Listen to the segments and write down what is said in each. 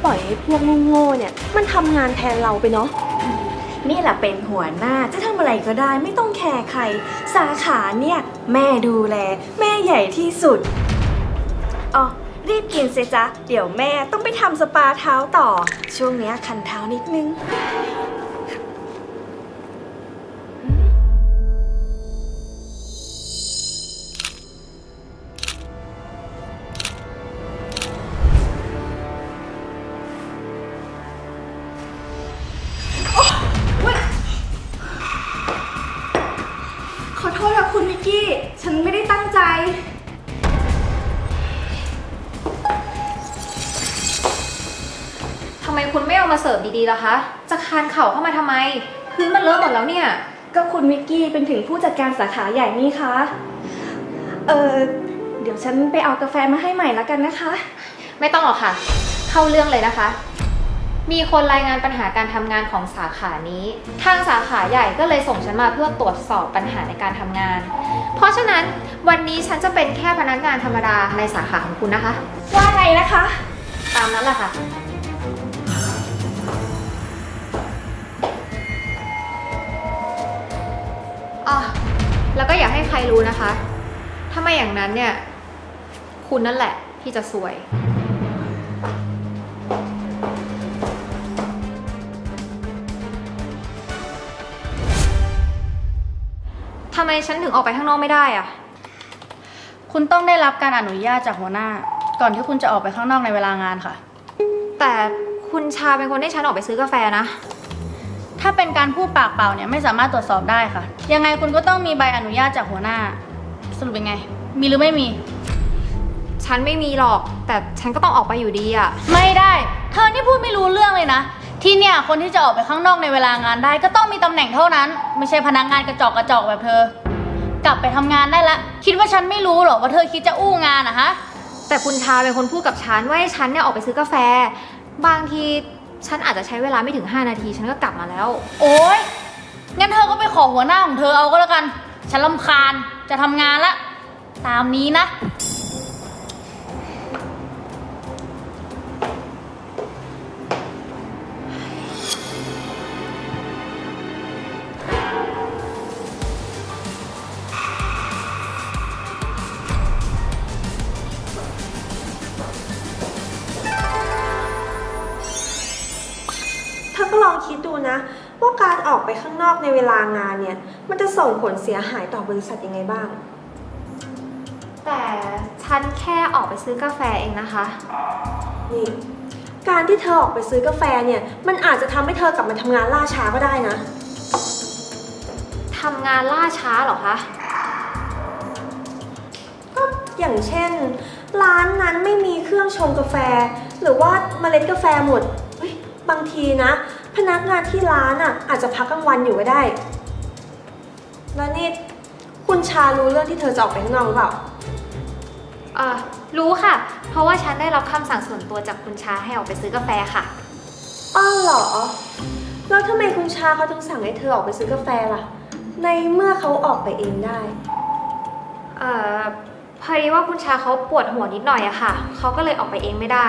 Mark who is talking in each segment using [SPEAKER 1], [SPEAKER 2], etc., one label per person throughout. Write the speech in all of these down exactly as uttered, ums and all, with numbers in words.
[SPEAKER 1] ปล่อยให้พวกโง่ๆเนี่ยมันทำงานแทนเราไปเนาะ
[SPEAKER 2] นี่แหละเป็นหัวหน้าจะทำอะไรก็ได้ไม่ต้องแคร์ใครสาขาเนี่ยแม่ดูแลแม่ใหญ่ที่สุดอ๋อรีบกินสิจ๊ะเดี๋ยวแม่ต้องไปทำสปาเท้าต่อช่วงเนี้ยคันเท้านิดนึงขอโทษค่ะคุณวิกกี้ฉันไม่ได้ตั้งใจ
[SPEAKER 3] ทำไมคุณไม่เอามาเสิร์ฟดีๆล่ะคะ จะคานเข่าเข้ามาทำไม พื้นมันเลอะหมดแล้วเนี่ย
[SPEAKER 2] ก็คุณวิกกี้เป็นถึงผู้จัดการสาขาใหญ่นี่คะเออเดี๋ยวฉันไปเอากาแฟมาให้ใหม่แล้วกันนะคะ
[SPEAKER 3] ไม่ต้องหรอกค่ะ เข้าเรื่องเลยนะคะ มีคนรายงานปัญหาการทำงานของสาขานี้ ทางสาขาใหญ่ก็เลยส่งฉันมาเพื่อตรวจสอบปัญหาในการทำงาน เพราะฉะนั้นวันนี้ฉันจะเป็นแค่พนักงานธรรมดาในสาขาของคุณนะคะ
[SPEAKER 2] ว่าไงนะคะ
[SPEAKER 3] ตามนั้นแหละค่ะ อ๋อ แล้วก็อย่าให้ใครรู้นะคะ ถ้าไม่อย่างนั้นเนี่ย คุณนั่นแหละที่จะซวย ทำไมฉันถึงออกไปข้างนอกไม่ได้อะ
[SPEAKER 4] คุณต้องได้รับการอนุญาตจากหัวหน้า ก่อนที่คุณจะออกไปข้างนอกในเวลางานค่ะ
[SPEAKER 3] แต่คุณชาเป็นคนให้ฉันออกไปซื้อกาแฟนะ
[SPEAKER 4] ถ้าเป็นการพูดปากเปล่าเนี่ยไม่สามารถตรวจสอบได้ค่ะ ยังไงคุณก็ต้องมีใบอนุญาตจากหัวหน้า สรุปเป็นไง มีหรือไม่มี
[SPEAKER 3] ฉันไม่มีหรอก แต่ฉันก็ต้องออกไปอยู่ดีอะ
[SPEAKER 4] ไม่ได้ เธอนี่พูดไม่รู้เรื่องเลยนะ ที่เนี่ยคนที่จะออกไปข้างนอกในเวลางานได้ก็ต้องมีตำแหน่งเท่านั้น ไม่ใช่พนักงานกระจอกกระจอกแบบเธอ กลับไปทำงานได้ละ คิดว่าฉันไม่รู้หรอว่าเธอคิดจะอู้งานอะฮะ
[SPEAKER 3] แต่คุณชาเป็นคนพูดกับฉันว่าให้ฉันเนี่ยออกไปซื้อกาแฟ บางทีฉันอาจจะใช้เวลาไม่ถึงห้านาทีฉันก็กลับมาแล้ว
[SPEAKER 4] โอ๊ย งั้นเธอก็ไปขอหัวหน้าของเธอเอาก็แล้วกัน ฉันรำคาญ จะทำงานละ ตามนี้นะ
[SPEAKER 1] เธอก็ลองคิดดูนะว่าการออกไปข้างนอกในเวลางานเนี่ยมันจะส่งผลเสียหายต่อบริษัทยังไงบ้าง
[SPEAKER 3] แต่ฉันแค่ออกไปซื้อกาแฟเองนะคะ
[SPEAKER 1] นี่การที่เธอออกไปซื้อกาแฟเนี่ยมันอาจจะทำให้เธอกลับมาทำงานล่าช้าก็ได้นะ
[SPEAKER 3] ทำงานล่าช้าเหรอคะ
[SPEAKER 1] ก็อย่างเช่น ร้านนั้นไม่มีเครื่องชงกาแฟ หรือว่าเมล็ดกาแฟหมดเฮ้ยบางทีนะ พนักงานที่ร้านอ่ะอาจจะพักกลางวันอยู่ก็ได้ แล้วนี่คุณชารู้เรื่องที่เธอจะออกไปข้างนอกหรือเปล่า
[SPEAKER 3] เอ่อ รู้ค่ะ เพราะว่าฉันได้รับคำสั่งส่วนตัวจากคุณชาให้ออกไปซื้อกาแฟค่ะ
[SPEAKER 1] อ้าวเหรอ แล้วทำไมคุณชาเขาถึงสั่งให้เธอออกไปซื้อกาแฟล่ะ ในเมื่อเขาออกไปเองได้
[SPEAKER 3] เอ่อ พอดีว่าคุณชาเขาปวดหัวนิดหน่อยอะค่ะ เขาก็เลยออกไปเองไม่ได้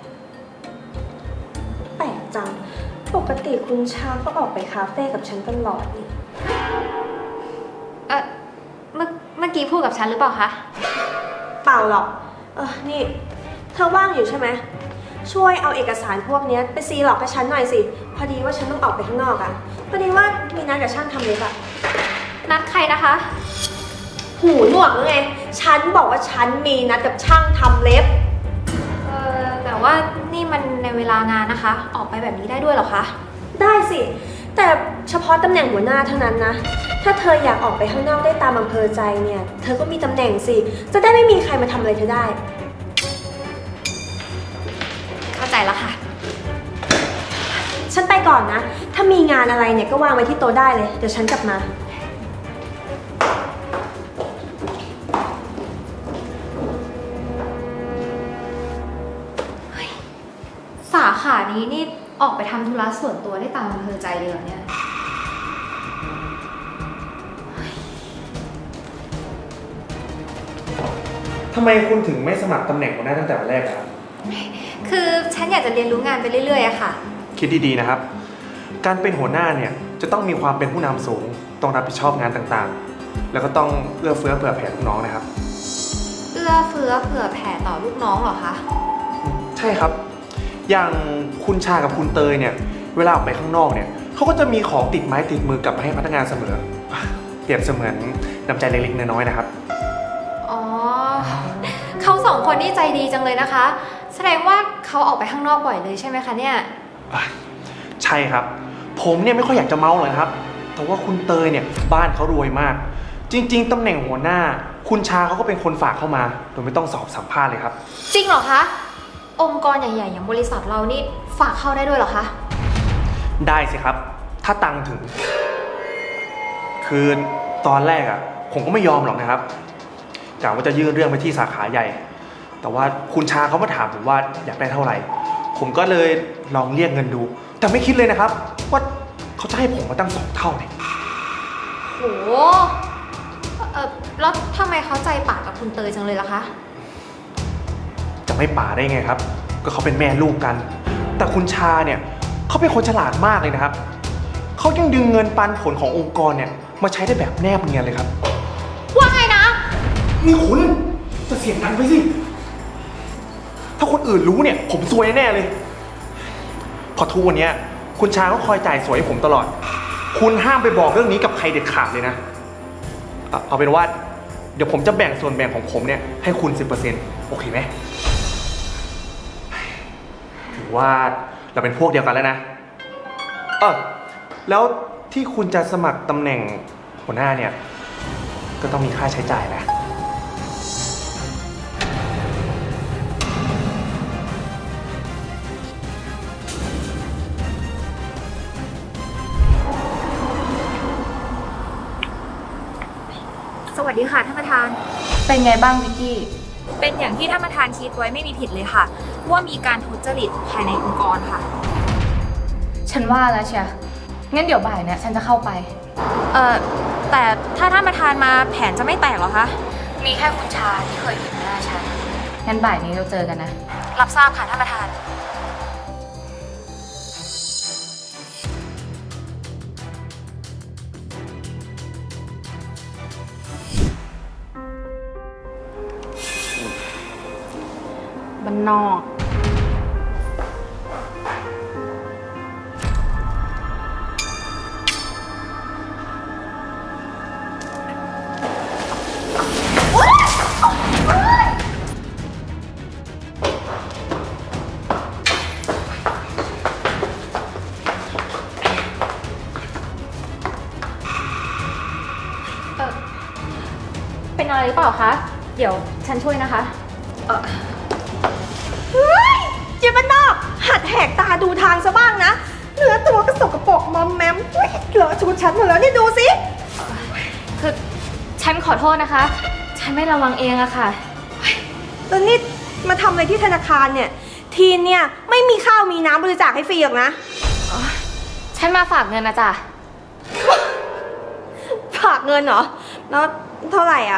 [SPEAKER 1] แปลกจัง ปกติคุณชาก็ออกไปคาเฟ่กับฉันตลอดนี่
[SPEAKER 3] เอ่อ เมื่อเมื่อกี้พูดกับฉันหรือเปล่าคะ
[SPEAKER 1] เปล่าหรอก เออ นี่ เธอว่างอยู่ใช่ไหม ช่วยเอาเอกสารพวกนี้ไปซีหลอกให้ฉันหน่อยสิ พอดีว่าฉันต้องออกไปข้างนอกอะพอดีว่ามีนัดกับช่างทำเล็บอะ
[SPEAKER 3] นัดใครนะคะ
[SPEAKER 1] หูหนวกหรือไง ฉันบอกว่าฉันมีนัดกับช่างทำเล็บ
[SPEAKER 3] เอ่อ แต่ว่านี่มันในเวลางานนะคะ ออกไปแบบนี้ได้ด้วยเหรอคะ
[SPEAKER 1] ได้สิ แต่เฉพาะตำแหน่งหัวหน้าเท่านั้นนะ ถ้าเธออยากออกไปข้างนอกได้ตามอำเภอใจเนี่ย เธอก็มีตำแหน่งสิ จะได้ไม่มีใครมาทำอะไรเธอได้
[SPEAKER 3] เข้าใจแล้วค่ะ
[SPEAKER 1] ฉันไปก่อนนะ ถ้ามีงานอะไรเนี่ยก็วางไว้ที่โต๊ะได้เลย เดี๋ยวฉันกลับมา
[SPEAKER 3] สาขานี้นี่ออกไปทำธุระส่วนตัวได้ตามอำเภอใจเลยเหรอเนี่ย
[SPEAKER 5] ทำไมคุณถึงไม่สมัครตำแหน่งหัวหน้าตั้งแต่วันแรกครับ
[SPEAKER 3] คือฉันอยากจะเรียนรู้งานไปเรื่อยๆอะค่ะ
[SPEAKER 5] คิดดีๆนะครับ การเป็นหัวหน้าเนี่ยจะต้องมีความเป็นผู้นำสูง ต้องรับผิดชอบงานต่างๆ แล้วก็ต้องเอื้อเฟื้อเผื่อแผ่ลูกน้องนะครับ
[SPEAKER 3] เอื้อเฟื้อเผื่อแผ่ต่อลูกน้องเหรอคะ
[SPEAKER 5] ใช่ครับ อย่างคุณชากับคุณเตยเนี่ย เวลาออกไปข้างนอกเนี่ยเขาก็จะมีของติดไม้ติดมือกลับมาให้พนักงานเสมอ เปรียบเสมือนน้ำใจเล็กๆน้อยๆนะครับ
[SPEAKER 3] อ๋อ เขาสองคนนี่ใจดีจังเลยนะคะ แสดงว่าเขาออกไปข้างนอกบ่อยเลยใช่ไหมคะเนี่ย
[SPEAKER 5] ใช่ครับ ผมเนี่ยไม่ค่อยอยากจะเมาเลยนะครับ แต่ว่าคุณเตยเนี่ยบ้านเขารวยมาก จริงๆตำแหน่งหัวหน้า คุณชาเขาก็เป็นคนฝากเข้ามาโดยไม่ต้องสอบสัมภาษณ์เลยครับ
[SPEAKER 3] จริงเหรอคะ องค์กรใหญ่ๆอย่างบริษัทเรานี่ฝากเข้าได้ด้วยเหรอคะ
[SPEAKER 5] ได้สิครับ ถ้าตังค์ถึง คือตอนแรกอ่ะผมก็ไม่ยอมหรอกนะครับกะว่าจะยื่นเรื่องไปที่สาขาใหญ่ แต่ว่าคุณชาเขามาถามผมว่าอยากได้เท่าไหร่ ผมก็เลยลองเรียกเงินดู แต่ไม่คิดเลยนะครับ ว่าเขาจะให้ผมมาตั้งสองเท่าเนี่ย
[SPEAKER 3] โห เออแล้วทำไมเขาใจป่ากับคุณเตยจังเลยล่ะคะ
[SPEAKER 5] จะไม่ป่าได้ไงครับ ก็เขาเป็นแม่ลูกกัน แต่คุณชาเนี่ยเขาเป็นคนฉลาดมากเลยนะครับเขายังดึงเงินปันผลขององค์กรเนี่ยมาใช้ได้แบบแนบเนียนเลยครับ
[SPEAKER 3] ว่าไงนะ
[SPEAKER 5] นี่คุณจะเสียงดังไปสิ ถ้าคนอื่นรู้เนี่ยผมซวยแน่เลย พอทุกวันนี้คุณชาก็คอยจ่ายสวยให้ผมตลอด คุณห้ามไปบอกเรื่องนี้กับใครเด็ดขาดเลยนะเอาเอาเป็นว่าเดี๋ยวผมจะแบ่งส่วนแบ่งของผมเนี่ยให้คุณ สิบเปอร์เซ็นต์ โอเคไหมถือว่าเราเป็นพวกเดียวกันแล้วนะ เออแล้วที่คุณจะสมัครตำแหน่งหัวหน้าเนี่ยก็ต้องมีค่าใช้จ่ายนะ
[SPEAKER 6] สวัสดีค่ะท่านประธาน
[SPEAKER 2] เป็นไงบ้างวิกกี้
[SPEAKER 6] เป็นอย่างที่ท่านประธานคิดไว้ไม่มีผิดเลยค่ะ ว่ามีการทุจริตภายในองค์กรค่ะ
[SPEAKER 2] ฉันว่าแล้วเชียงั้นเดี๋ยวบ่ายเนี่ยฉันจะเข้าไป
[SPEAKER 6] เอ่อ แต่ถ้าท่านประธานมาแผนจะไม่แตกเหรอคะ
[SPEAKER 2] มีแค่คุณชาที่เคยเห็นหน้าฉัน งั้นบ่ายนี้เราเจอกันนะ
[SPEAKER 6] รับทราบค่ะท่านประธาน
[SPEAKER 2] บ้านนอก
[SPEAKER 3] เออเป็นอะไรหรือเปล่าคะ เดี๋ยวฉันช่วยนะคะ
[SPEAKER 1] เฮ้ยเจ๊บ้านนอก หัดแหกตาดูทางซะบ้างนะ เนื้อตัวก็สกปรกมอมแมมเฮ้ยเหลอะชุดฉันหมดแล้วนี่ดูสิ
[SPEAKER 3] คือฉันขอโทษนะคะ ฉันไม่ระวังเองอะค่ะ
[SPEAKER 1] แล้วนี่มาทำอะไรที่ธนาคารเนี่ย ทีนเนี่ยไม่มีข้าวมีน้ำบริจาคให้ฟรีหรอกนะ
[SPEAKER 3] ฉันมาฝากเงินนะจ๊ะ
[SPEAKER 1] ฝากเงินเหรอ แล้วเท่าไหร่อ่ะ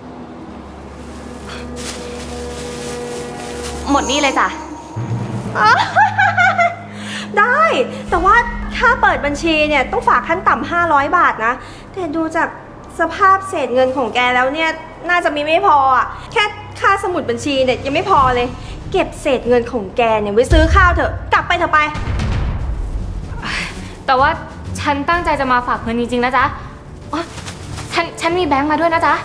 [SPEAKER 3] หมดนี่เลยจ้ะ
[SPEAKER 1] ได้ แต่ว่าค่าเปิดบัญชีเนี่ยต้องฝากขั้นต่ำห้าร้อยบาทนะ แต่ดูจากสภาพเศษเงินของแกแล้วเนี่ยน่าจะมีไม่พออ่ะ แค่ค่าสมุดบัญชีเนี่ยยังไม่พอเลย เก็บเศษเงินของแกเนี่ยไว้ซื้อข้าวเถอะ กลับไปเถอะไป
[SPEAKER 3] แต่ว่าฉันตั้งใจจะมาฝากเงินจริงๆนะจ๊ะอ๋อฉันฉันมีแบงค์มาด้วยนะจ๊ะ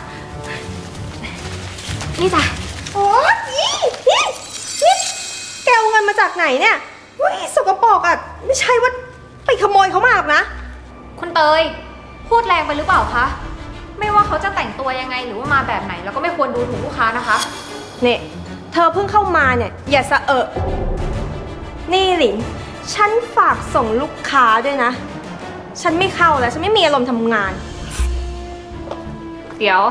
[SPEAKER 3] นี่จ้ะ
[SPEAKER 1] โอ้ยนี่นี่นี่แกเอาเงินมาจากไหนเนี่ยเฮ้ยสกปรกอ่ะ ไม่ใช่ว่าไปขโมยเขามาหรอกนะ
[SPEAKER 3] คุณเตย พูดแรงไปหรือเปล่าคะ ไม่ว่าเขาจะแต่งตัวยังไงหรือว่ามาแบบไหนเราก็ไม่ควรดูถูกลูกค้านะคะ
[SPEAKER 1] เนี่ยเธอเพิ่งเข้ามาเนี่ยอย่าสะเอะนี่หลิน ฉันฝากส่งลูกค้าด้วยนะ ฉันไม่เข้าแล้วฉันไม่มีอารมณ์ทำงาน
[SPEAKER 3] เดี๋ยว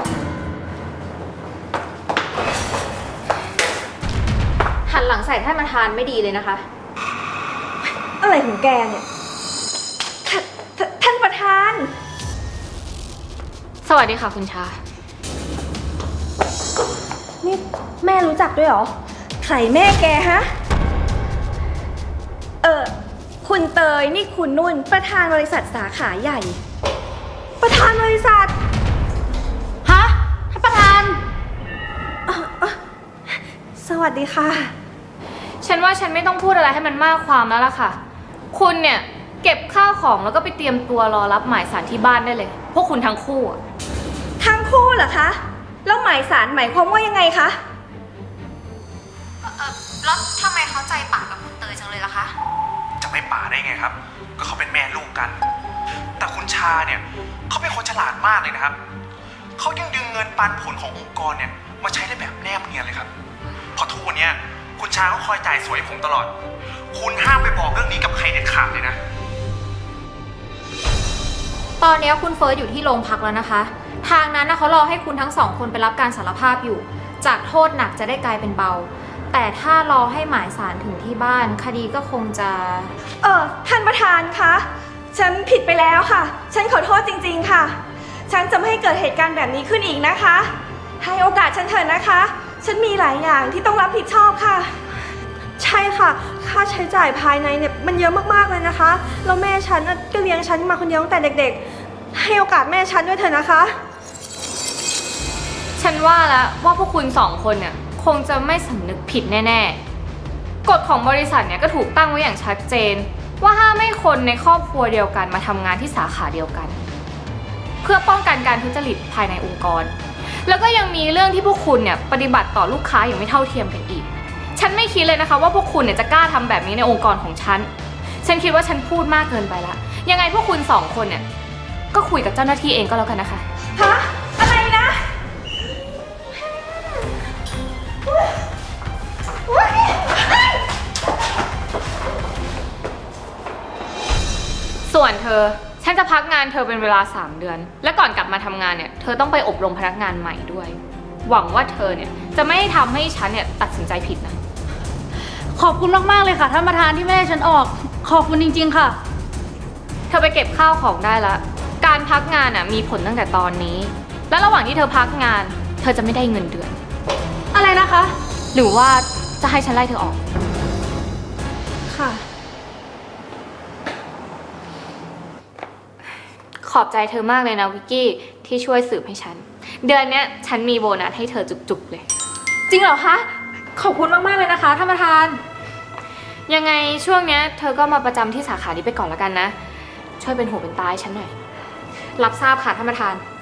[SPEAKER 3] หันหลังใส่ท่านประธานไม่ดีเลยนะคะ
[SPEAKER 1] อะไรของแกเนี่ยททท่านประธาน
[SPEAKER 3] สวัสดีค่ะคุณชา
[SPEAKER 1] นี่แม่รู้จักด้วยเหรอใครแม่แกฮะ
[SPEAKER 2] อคุณเตยนี่คุณนุ่นประธานบริษัทสาขาใหญ่
[SPEAKER 1] ประธานบริษัท
[SPEAKER 4] ฮะท่านประธาน
[SPEAKER 1] สวัสดีค่ะ
[SPEAKER 3] ฉันว่าฉันไม่ต้องพูดอะไรให้มันมากความแล้วล่ะค่ะ คุณเนี่ยเก็บข้าวของแล้วก็ไปเตรียมตัวรอรับหมายสารที่บ้านได้เลย พวกคุณทั้งคู่อะ
[SPEAKER 2] ทั้งคู่เหรอคะ แล้วหมายสารหมายความว่ายังไงคะ
[SPEAKER 3] แล้วทำไมเขาใจปากกับคุณเตยจังเลยล่ะคะ
[SPEAKER 5] จะไม่ป่าได้ไงครับ ก็เขาเป็นแม่ลูกกัน แต่คุณชาเนี่ยเขาเป็นคนฉลาดมากเลยนะครับ เขายังดึงเงินปันผลขององค์กรเนี่ยมาใช้ได้แบบแนบเนียนเลยครับเพราะทุกวันเนี้ยคุณชาเขาคอยจ่ายสวยให้ผมตลอด คุณห้ามไปบอกเรื่องนี้กับใครเด็ดขาดเลยนะ
[SPEAKER 3] ตอนนี้คุณเฟิร์สอยู่ที่โรงพักแล้วนะคะ ทางนั้นนะเขารอให้คุณทั้งสองคนไปรับการสารภาพอยู่ จากโทษหนักจะได้กลายเป็นเบา แต่ถ้ารอให้หมายสารถึงที่บ้านคดีก็คงจะ
[SPEAKER 2] เออท่านประธานคะ ฉันผิดไปแล้วค่ะ ฉันขอโทษจริงๆค่ะ ฉันจะไม่ให้เกิดเหตุการณ์แบบนี้ขึ้นอีกนะคะ ให้โอกาสฉันเถอะนะคะ ฉันมีหลายอย่างที่ต้องรับผิดชอบค่ะ
[SPEAKER 1] ใช่ค่ะ ค่าใช้จ่ายภายในเนี่ยมันเยอะมากๆเลยนะคะ แล้วแม่ฉันน่ะก็เลี้ยงฉันมาคนเดียวตั้งแต่เด็กๆ ให้โอกาสแม่ฉันด้วยเถอะนะคะ
[SPEAKER 3] ฉันว่าแล้วว่าพวกคุณสองคนเนี่ยคงจะไม่สำนึกผิดแน่ๆ กฎของบริษัทเนี่ยก็ถูกตั้งไว้อย่างชัดเจน ว่าห้ามให้คนในครอบครัวเดียวกันมาทำงานที่สาขาเดียวกัน เพื่อป้องกันการทุจริตภายในองค์กร แล้วก็ยังมีเรื่องที่พวกคุณเนี่ยปฏิบัติต่อลูกค้าอย่างไม่เท่าเทียมกันอีก ฉันไม่คิดเลยนะคะว่าพวกคุณเนี่ยจะกล้าทำแบบนี้ในองค์กรของฉัน ฉันคิดว่าฉันพูดมากเกินไปละ ยังไงพวกคุณสองคนเนี่ยก็คุยกับเจ้าหน้าที่เองก็แล้วกันนะคะ
[SPEAKER 2] ฮะ อะไรนะ
[SPEAKER 3] ส่วนเธอ ฉันจะพักงานเธอเป็นเวลาสามเดือน และก่อนกลับมาทำงานเนี่ย เธอต้องไปอบรมพนักงานใหม่ด้วย หวังว่าเธอเนี่ยจะไม่ทำให้ฉันเนี่ยตัดสินใจผิดนะ
[SPEAKER 4] ขอบคุณมากๆเลยค่ะท่านประธานที่ไม่ให้ฉันออก ขอบคุณจริงๆค่ะ
[SPEAKER 3] เธอไปเก็บข้าวของได้ละ การพักงานอ่ะมีผลตั้งแต่ตอนนี้ และระหว่างที่เธอพักงาน เธอจะไม่ได้เงินเดือน
[SPEAKER 4] อะไรนะคะ
[SPEAKER 3] หรือว่าจะให้ฉันไล่เธอออก
[SPEAKER 1] ค่ะ
[SPEAKER 3] ขอบใจเธอมากเลยนะวิกกี้ที่ช่วยสืบให้ฉัน เดือนเนี้ยฉันมีโบนัสให้เธอจุกๆเลย
[SPEAKER 6] จริงเหรอคะ ขอบคุณมากๆเลยนะคะท่านประธาน
[SPEAKER 3] ยังไงช่วงเนี้ยเธอก็มาประจำที่สาขานี้ไปก่อนแล้วกันนะ ช่วยเป็นหูเป็นตาให้ฉันหน่อย รับทราบค่ะท่านประธาน